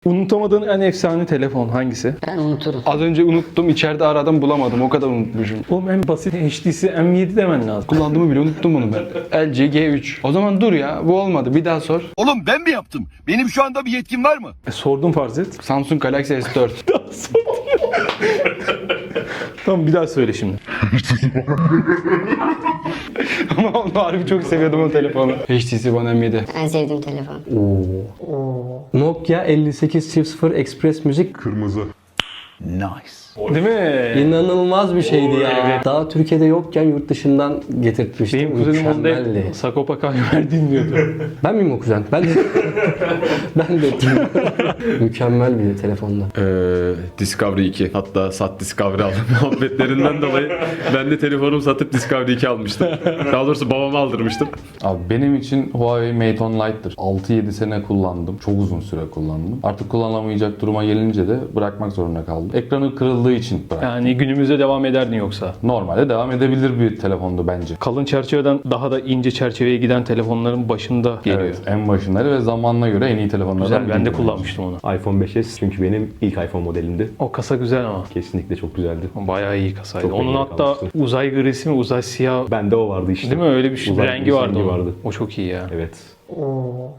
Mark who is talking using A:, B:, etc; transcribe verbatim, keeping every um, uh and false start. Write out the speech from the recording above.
A: Unutamadığın en efsane telefon hangisi?
B: Ben unuturum.
C: Az önce unuttum, içeride aradım bulamadım. O kadar unutmuşum.
A: Oğlum en basit H T C M yedi demen lazım.
C: Kullandığımı bile unuttum bunu ben. L G G üç. O zaman dur ya, bu olmadı. Bir daha sor.
D: Oğlum ben mi yaptım? Benim şu anda bir yetkim var mı?
A: E, sordum farz et.
C: Samsung Galaxy S dört.
A: Tamam bir daha söyle şimdi.
C: Ama onu harbi çok seviyordum o telefonu. H T C One M yedi.
B: En sevdiğim telefon.
E: Nokia elli sekiz çift sıfır Express Müzik.
F: Kırmızı.
A: Değil mi?
E: İnanılmaz bir şeydi ya. Daha Türkiye'de yokken yurt dışından getirtmiştim.
A: Benim kuzenim onda
E: Mükemmeldi.
A: hep Sagopa Kajmer dinliyordu.
E: Ben miyim o kuzen? Ben de ben de mükemmel bir telefonda.
F: Ee, Discovery iki. Hatta sat Discovery aldım muhabbetlerinden dolayı. Ben de telefonumu satıp Discovery iki almıştım. Daha doğrusu babama aldırmıştım.
G: Abi benim için Huawei Mate on Lite'dır. altı yedi sene kullandım. Çok uzun süre kullandım. Artık kullanamayacak duruma gelince de bırakmak zorunda kaldım. Ekranı kırıldığı için bıraktım.
A: Yani günümüzde devam ederdin yoksa.
G: Normalde devam edebilir bir telefondu bence.
A: Kalın çerçeveden daha da ince çerçeveye giden telefonların başında geliyor.
G: Evet, en başındaydı ve zamanına göre en iyi telefonlardan
A: Güzel, ben de
G: biriydi.
A: kullanmıştım onu.
H: iPhone beş S çünkü benim ilk iPhone modelimdi.
A: O kasa güzel ama.
H: Kesinlikle çok güzeldi.
A: Bayağı iyi kasaydı.
H: Çok
A: Onun
H: beğenip
A: hatta
H: almıştım.
A: uzay grisi mi, uzay siyah
H: Bende o vardı işte.
A: değil mi? Öyle bir şey,
H: Uzay
A: rengi
H: grisi
A: vardı,
H: rengi
A: onun.
H: vardı.
A: O çok iyi ya.
H: Evet.